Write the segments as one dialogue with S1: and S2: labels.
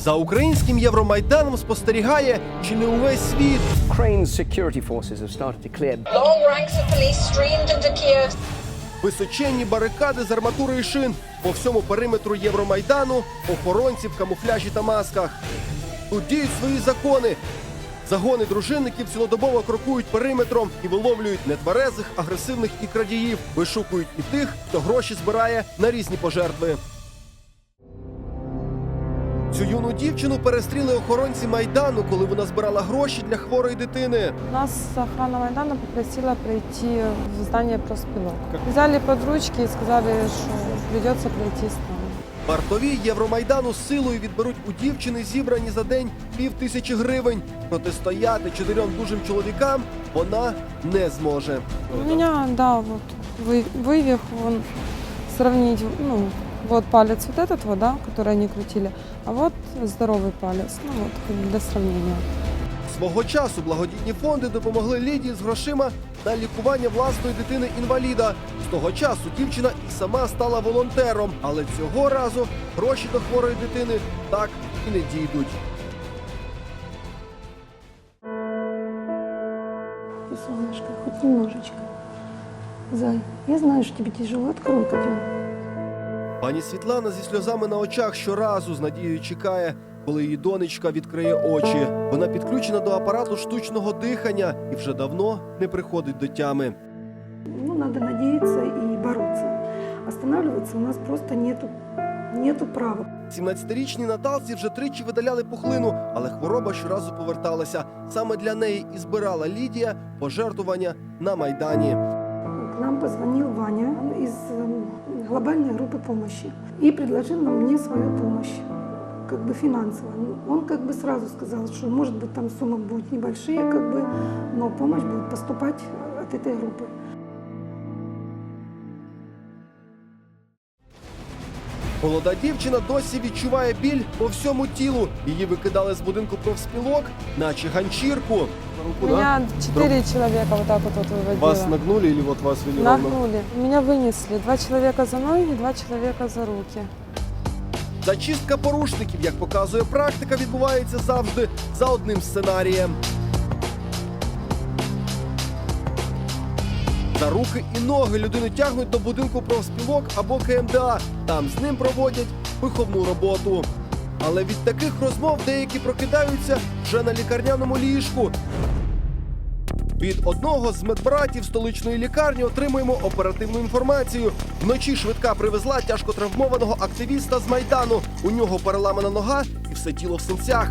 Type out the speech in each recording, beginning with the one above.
S1: За українським Євромайданом спостерігає чи не увесь світ.
S2: Ukraine's security forces have started to clear.
S3: Long ranks of police streamed into Kiev.
S1: Височенні барикади з арматури і шин. По всьому периметру Євромайдану охоронці в камуфляжі та масках. Тут діють свої закони. Загони дружинників цілодобово крокують периметром і виловлюють нетверезих, агресивних і крадіїв. Вишукують і тих, хто гроші збирає на різні пожертви. Цю юну дівчину перестріли охоронці Майдану, коли вона збирала гроші для хворої дитини.
S4: Нас охрана Майдана попросила прийти в здание профспілок. Взяли под ручки и сказали, что придется пройти с нами.
S1: Вартові Євромайдану з силою відберуть у дівчини зібрані за день 5000 гривень. Протистояти 4 дужим чоловікам вона не зможе.
S4: У меня, да, вот вывих, вон, сравнить, ну, вот палец вот этот вот, да, который они крутили, а вот здоровый палец, ну вот, для сравнения.
S1: Свого часу благодійні фонди допомогли Лідії з грошима на лікування власної дитини-інваліда. З того часу дівчина і сама стала волонтером, але цього разу гроші до хворої дитини так і не дійдуть.
S5: Ты, солнышко, хоть немножечко. Зай, я знаю, что тебе тяжело. Открой, пойдем.
S1: Пані Світлана зі сльозами на очах щоразу з надією чекає, коли її донечка відкриє очі. Вона підключена до апарату штучного дихання і вже давно не приходить до тями.
S5: Ну, надо надеяться и бороться. Останавливаться у нас просто нету права.
S1: 17-річній Наталці вже тричі видаляли пухлину, але хвороба щоразу поверталася. Саме для неї і збирала Лідія пожертвування на Майдані.
S5: К нам позвонил Ваня из глобальной группы помощи и предложил мне свою помощь, как бы финансовую. Он как бы сразу сказал, что может быть там суммы будут небольшие, как бы, но помощь будет поступать от этой группы.
S1: Молода дівчина досі відчуває біль по всьому тілу. Її викидали з будинку профспілок, наче ганчірку.
S4: Меня 4 человека вот так вот выводило.
S1: Вас нагнули или вот вас вели?
S4: Нагнули. Меня вынесли. 2 человека за ноги, 2 человека за руки.
S1: Зачистка порушників, як показує практика, відбувається завжди за одним сценарієм. За руки і ноги людину тягнуть до будинку профспілок або КМДА. Там з ним проводять виховну роботу. Але від таких розмов деякі прокидаються вже на лікарняному ліжку. Від одного з медбратів столичної лікарні отримуємо оперативну інформацію. Вночі швидка привезла тяжко травмованого активіста з Майдану. У нього переламана нога і все тіло в синцях.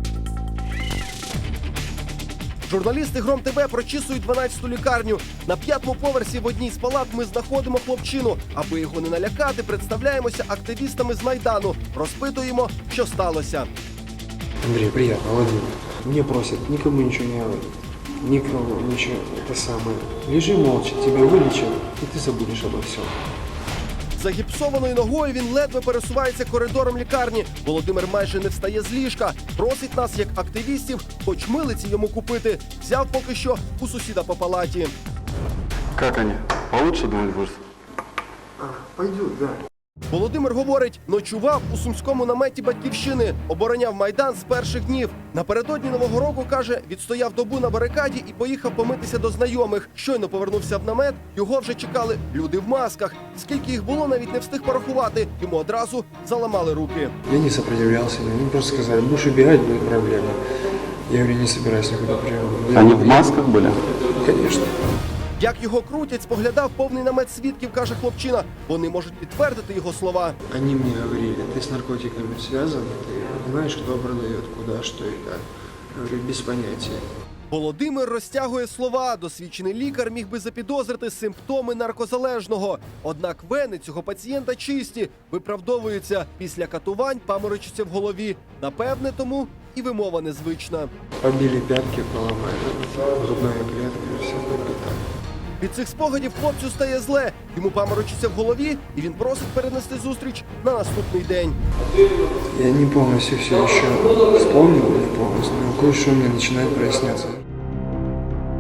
S1: Журналісти Гром ТВ прочісують 12-ту лікарню. На 5-му поверсі в одній з палат ми знаходимо хлопчину. Аби його не налякати, представляємося активістами з Майдану. Розпитуємо, що сталося.
S6: Андрей, приятно, Владимир. Мне просят никому ничего не говорить. Никому ничего. Это самое. Лежи молча, тебя вылечат, и ты забудешь обо всем.
S1: Загіпсованою ногою він ледве пересувається коридором лікарні. Володимир майже не встає з ліжка. Просить нас, як активістів, хоч милиці йому купити. Взяв поки що у сусіда по палаті.
S7: Как они? Получше, думаешь, будешь?
S6: Пойдет, да.
S1: Володимир говорить, ночував у сумському наметі Батьківщини, обороняв Майдан з перших днів. Напередодні Нового року, каже, відстояв добу на барикаді і поїхав помитися до знайомих. Щойно повернувся в намет, його вже чекали люди в масках. Скільки їх було, навіть не встиг порахувати. Йому одразу заламали руки.
S6: Я не сопротивлялся, они просто сказали, будешь убегать, будет проблема. Я говорю, не собираюсь никуда прямо.
S7: Они в масках были?
S6: Конечно.
S1: Як його крутять, споглядав повний намет свідків, каже хлопчина. Вони можуть підтвердити його слова.
S6: Они мне говорили, ты с наркотиками связан, ты знаешь, кто продает, куда, что и как. Я говорю, без понятия.
S1: Володимир розтягує слова. Досвідчений лікар міг би запідозрити симптоми наркозалежного. Однак вени цього пацієнта чисті, виправдовуються. Після катувань паморочиться в голові. Напевне, тому і вимова незвична.
S6: Побили пятки, поломали, грудная клетка, все только так.
S1: Від цих спогадів хлопцю стає зле. Йому паморочиться в голові, і він просить перенести зустріч на наступний день.
S6: Я не полностью все еще вспомнил, не полностью, но кое-что мне начинает проясняться.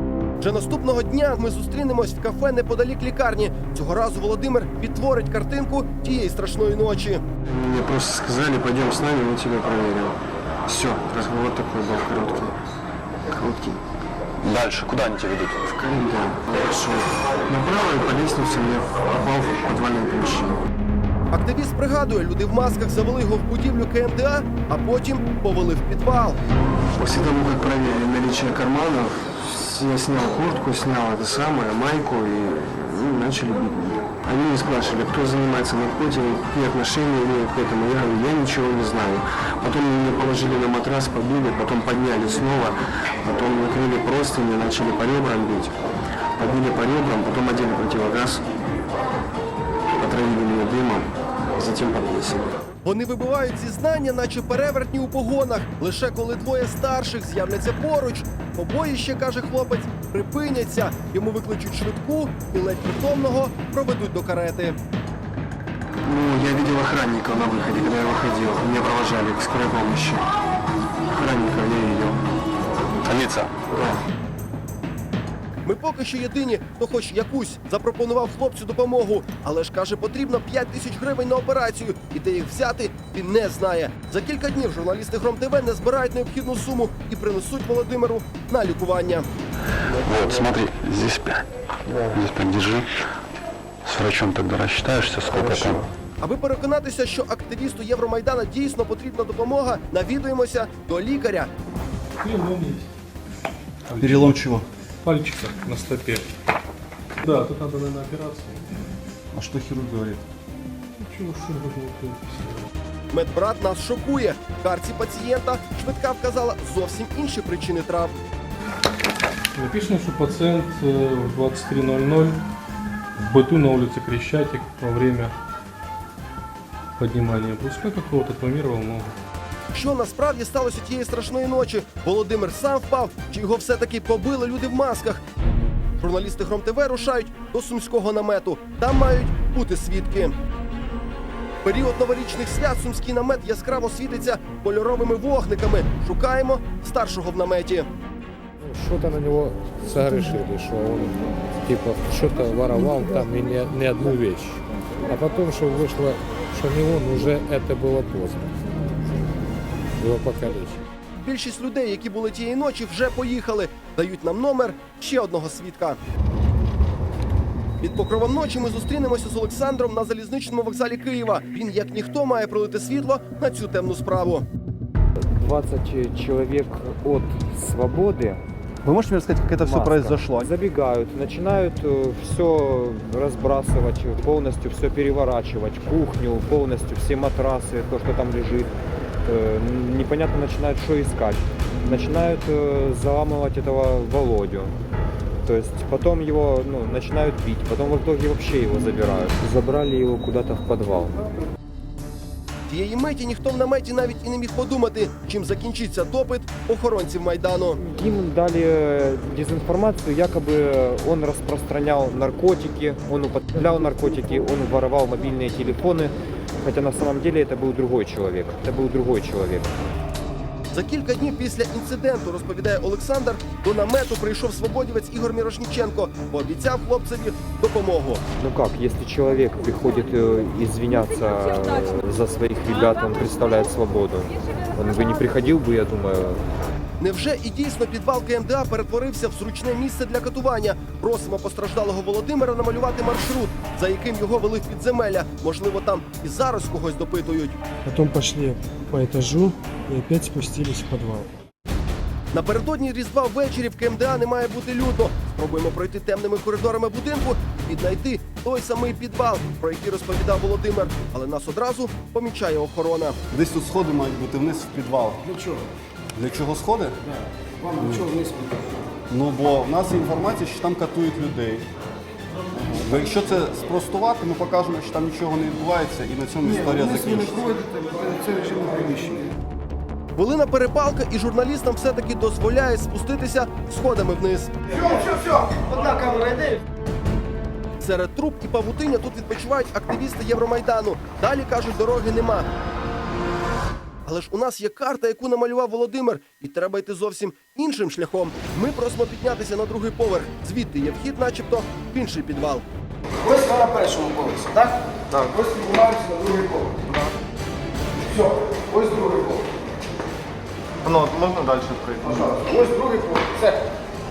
S1: Вже наступного дня ми зустрінемось в кафе неподалік лікарні. Цього разу Володимир відтворить картинку тієї страшної ночі.
S6: Мне просто сказали, пойдем с нами, мы тебя проверим. Все, разговор такой был короткий. Короткий.
S7: Дальше, куда они тебя ведут?
S6: В коридор. Я пошел направо и по лестнице я попал в подвальное помещение.
S1: Активіст пригадує, люди в масках завели його в будівлю КМДА, а потім повели в підвал.
S6: После того, как проверили наличие карманов, я снял куртку, снял это самое, майку и начали бить меня. Они меня спрашивали, кто занимается наркотиками, какие отношения имеют к этому. Я говорю, я ничего не знаю. Потом меня положили на матрас, побили, потом подняли снова, потом накрыли простыни, начали по ребрам бить. Побили по ребрам, потом одели противогаз, отравили меня дымом, затем подвесили.
S1: Вони вибивають зізнання, наче перевертні у погонах. Лише коли двоє старших з'являться поруч, побоїще, каже хлопець, припиняться. Йому викличуть швидку і ледь притомного проведуть до карети.
S6: Ну, я видел охранников на выходе, когда я выходил. Меня провожали к скорой помощи. Охранников я видел.
S7: Лица.
S6: Да.
S1: Ми поки що єдині, хто хоч якусь запропонував хлопцю допомогу. Але ж, каже, потрібно 5 тисяч гривень на операцію. І де їх взяти, він не знає. За кілька днів журналісти Гром ТВ не збирають необхідну суму і принесуть Володимиру на лікування.
S7: Вот, смотри, здесь 5. Здесь 5 держи. С врачом тогда рассчитаешься, сколько там.
S1: Аби переконатися, що активісту Євромайдана дійсно потрібна допомога, навідуємося до лікаря.
S8: Перелом чего?
S9: Пальчика на стопе. Да, тут надо, наверное, операцию.
S8: А что хирург говорит?
S9: Ничего, что можно.
S1: Медбрат нас шокує. В карті пацієнта швидка вказала зовсім інші причини травм.
S9: Написано, что пациент в 23:00 в быту на улице Крещатик во время поднимания бруска какого-то травмировал ногу.
S1: Що насправді сталося тієї страшної ночі? Володимир сам впав, чи його все-таки побили люди в масках? Журналісти Гром ТВ рушають до сумського намету. Там мають бути свідки. В період новорічних свят сумський намет яскраво світиться кольоровими вогниками. Шукаємо старшого в наметі.
S10: Что-то на него согрешили, что он типа что-то воровал там и не одну вещь. А потом, что вышло, что не он, уже это было поздно. Его покалечили.
S1: Більшість людей, які були тієї ночі, вже поїхали. Дають нам номер ще одного свідка. Під покровом ночі ми зустрінемося з Олександром на залізничному вокзалі Києва. Він, як ніхто, має пролити світло на цю темну справу.
S11: 20 человек от свободы.
S8: Вы можете мне рассказать, как это все
S11: Маска.
S8: произошло?
S11: Забегают, начинают все разбрасывать, полностью все переворачивать, кухню, полностью все матрасы, то, что там лежит. Непонятно начинают что искать. Начинают заламывать этого Володю. То есть потом его начинают бить, потом в итоге вообще его забирают. Забрали его куда-то в подвал.
S1: Тієї миті ніхто в наметі навіть і не міг подумати, чим закінчиться допит охоронців Майдану.
S11: Им дали дезинформацию, якобы он распространял наркотики, он употреблял наркотики, он воровал мобильные телефоны, хотя на самом деле это был другой человек. Это был другой человек.
S1: За кілька днів після інциденту, розповідає Олександр, до намету прийшов свободівець Ігор Мірошніченко, пообіцяв хлопцеві допомогу.
S11: Ну как, если человек приходит извиняться за своих ребят, он представляет свободу. Он бы не приходил бы, я думаю.
S1: Невже і дійсно підвал КМДА перетворився в зручне місце для катування? Просимо постраждалого Володимира намалювати маршрут, за яким його вели в підземелля. Можливо, там і зараз когось допитують.
S10: Потом пошли по этажу и опять спустились в подвал.
S1: Напередодні Різдва ввечері в КМДА не має бути людно. Спробуємо пройти темними коридорами будинку і віднайти той самий підвал, про який розповідав Володимир. Але нас одразу помічає охорона.
S8: Десь тут сходи мають бути вниз в підвал.
S10: Для чего?
S8: Для чого сходи?
S10: Вам для чего вниз пойти?
S8: Ну, бо в нас є інформація, що там катують людей. Бо якщо це спростувати, ми покажемо, що там нічого не відбувається, і на цьому історія закінчиться.
S10: Це режимне приміщення.
S1: Хвилина перепалка, і журналістам все-таки дозволяє спуститися сходами вниз.
S10: Все, одна камера йде.
S1: Серед труб і павутиння тут відпочивають активісти Євромайдану. Далі, кажуть, дороги нема. Але ж у нас є карта, яку намалював Володимир, і треба йти зовсім Іншим шляхом ми просимо піднятися на другий поверх. Звідти є вхід, начебто, в інший підвал.
S12: Ось ви на першому поверсі, так? Так. Ось піднімаємося на другий поверх. Так. Все, ось другий поверх.
S8: Ну, можна далі пройти?
S12: Пожалуйста. Ось другий поверх. Все.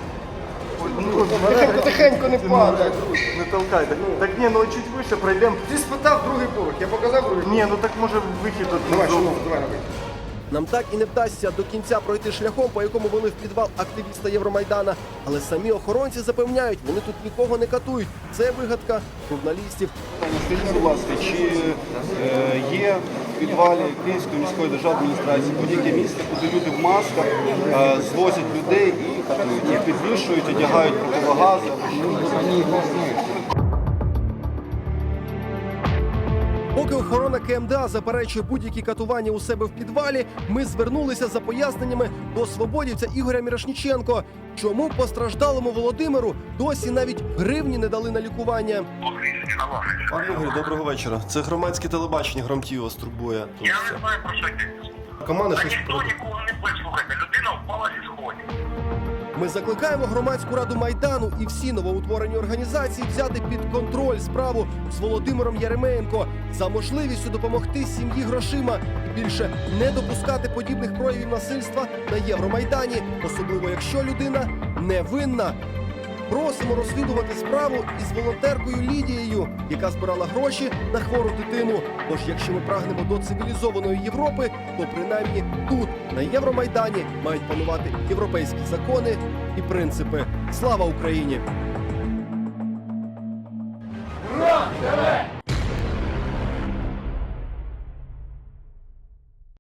S12: Тихенько не падай.
S8: Не толкайте. Так ні, ну чуть вище пройдемо.
S12: Ти спитав другий поверх, я показав другий поверх.
S8: Ні, ну так може вихід тут.
S12: Давай, шановний, давай, давай.
S1: Нам так і не вдасться до кінця пройти шляхом, по якому вели в підвал активіста Євромайдана. Але самі охоронці запевняють, вони тут нікого не катують. Це вигадка журналістів.
S8: Скажіть, будь ласка, чи є в підвалі Київської міської державної адміністрації будь-яке місце, куди люди в масках звозять людей і катують, їх підвішують, одягають противогази?
S1: Поки охорона КМДА заперечує будь-які катування у себе в підвалі, ми звернулися за поясненнями до свободівця Ігоря Мірошніченко. Чому постраждалому Володимиру досі навіть гривні не дали на лікування?
S13: Пане Ігорю, доброго вечора. Це громадське телебачення, Громтів вас турбує.
S14: Я не знаю, про що йдеться.
S13: Команда
S14: Та
S13: щось...
S14: ніхто нікого не буде слухати. Людина впала зі сходів.
S1: Ми закликаємо громадську раду Майдану і всі новоутворені організації взяти під контроль справу з Володимиром Яременко за можливістю допомогти сім'ї грошима і більше не допускати подібних проявів насильства на Євромайдані, особливо якщо людина невинна. Просимо розслідувати справу із волонтеркою Лідією, яка збирала гроші на хвору дитину. Тож, якщо ми прагнемо до цивілізованої Європи, то принаймні тут, на Євромайдані, мають панувати європейські закони і принципи. Слава Україні!